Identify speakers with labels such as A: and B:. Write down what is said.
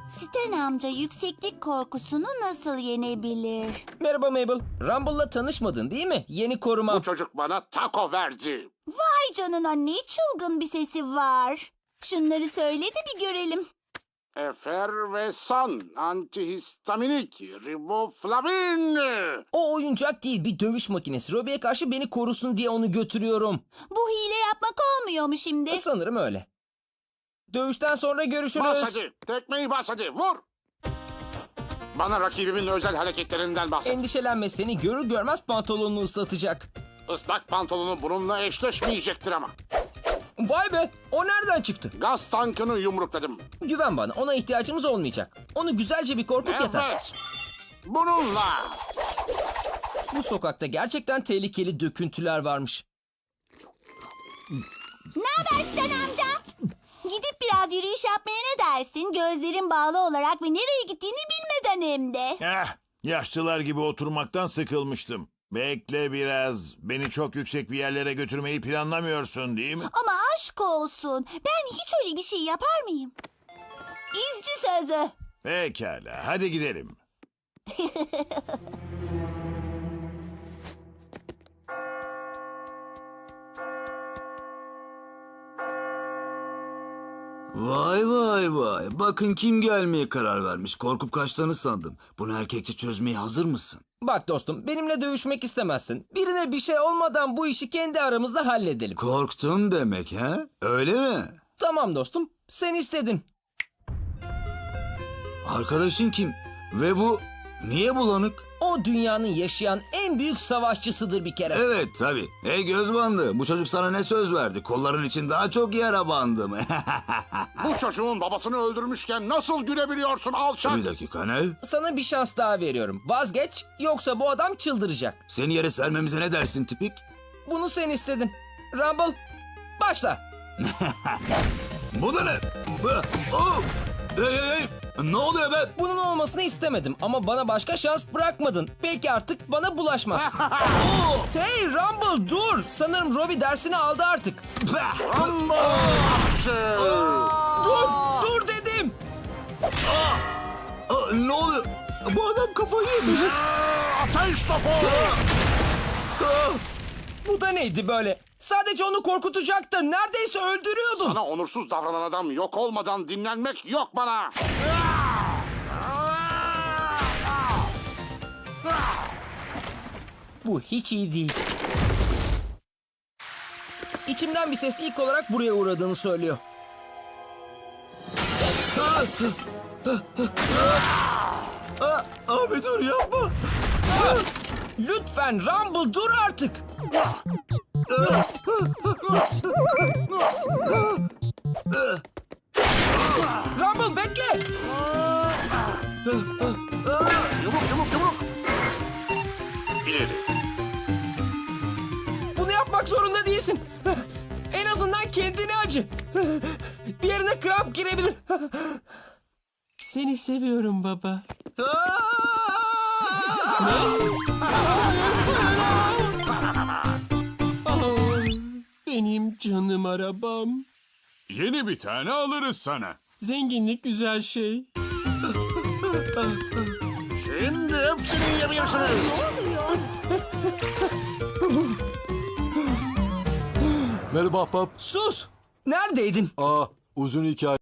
A: Stan amca yükseklik korkusunu nasıl yenebilir?
B: Merhaba Mabel. Rumble'la tanışmadın değil mi? Yeni koruma.
C: Bu çocuk bana taco verdi.
A: Vay canına, ne çılgın bir sesi var. Şunları söyle de bir görelim.
C: Efervesan, antihistaminik, riboflavin.
B: O oyuncak değil, bir dövüş makinesi. Robbie'ye karşı beni korusun diye onu götürüyorum.
A: Bu hile yapmak olmuyor mu şimdi?
B: Sanırım öyle. Dövüşten sonra görüşürüz.
C: Bas hadi, tekmeyi bas hadi, vur. Bana rakibimin özel hareketlerinden bahset.
B: Endişelenme, seni görür görmez pantolonunu ıslatacak.
C: Islak pantolonu bununla eşleşmeyecektir ama.
B: Vay be, o nereden çıktı?
C: Gaz tankını yumrukladım.
B: Güven bana, ona ihtiyacımız olmayacak. Onu güzelce bir korkut yeter.
C: Evet. Bununla.
B: Bu sokakta gerçekten tehlikeli döküntüler varmış.
A: Ne haber Stan amca? Gidip biraz yürüyüş yapmaya ne dersin? Gözlerin bağlı olarak ve nereye gittiğini bilmeden hem de.
D: Yaşlılar gibi oturmaktan sıkılmıştım. Bekle biraz. Beni çok yüksek bir yerlere götürmeyi planlamıyorsun değil mi?
A: Ama aşk olsun. Ben hiç öyle bir şey yapar mıyım? İzci sözü.
D: Pekala, hadi gidelim.
E: Vay vay vay. Bakın kim gelmeye karar vermiş. Korkup kaçtığını sandım. Bunu erkekçe çözmeye hazır mısın?
B: Bak dostum, benimle dövüşmek istemezsin. Birine bir şey olmadan bu işi kendi aramızda halledelim.
E: Korktun demek ha? Öyle mi?
B: Tamam dostum, sen istedin.
E: Arkadaşın kim? Ve bu niye bulanık?
B: O dünyanın yaşayan en büyük savaşçısıdır bir kere.
E: Evet tabii. Hey göz bandı. Bu çocuk sana ne söz verdi? Kolların için daha çok yara bandım.
C: Bu çocuğun babasını öldürmüşken nasıl gülebiliyorsun alçak?
E: Bir dakika ne?
B: Sana bir şans daha veriyorum. Vazgeç, yoksa bu adam çıldıracak.
E: Seni yere sermemize ne dersin tipik?
B: Bunu sen istedin. Rumble, başla.
E: Bu da ne? Oh! Hey hey hey! Ne oluyor be?
B: Bunun olmasını istemedim ama bana başka şans bırakmadın. Peki artık bana bulaşmazsın. Hey Rumble dur. Sanırım Robbie dersini aldı artık.
C: Rumble akşı.
B: Dur dedim.
E: Ne oluyor? Bu adam kafayı yemiş.
C: Ateş topu.
B: Bu da neydi böyle? Sadece onu korkutacaktın. Neredeyse öldürüyordun.
C: Sana onursuz davranan adam yok olmadan dinlenmek yok bana.
B: Bu hiç iyi değil. İçimden bir ses ilk olarak buraya uğradığını söylüyor.
E: Abi dur yapma.
B: Lütfen Rumble dur artık. Rumble bekle.
C: Yumruk yumruk yumruk. İleri.
B: Bunu yapmak zorunda değilsin. En azından kendine acı. Bir yerine kramp girebilir. Seni seviyorum baba. Benim canım arabam.
F: Yeni bir tane alırız sana.
B: Zenginlik güzel şey.
C: Şimdi hepsini yiyebilirsiniz.
G: Merhaba ahbap.
B: Sus! Neredeydin?
G: Uzun hikaye.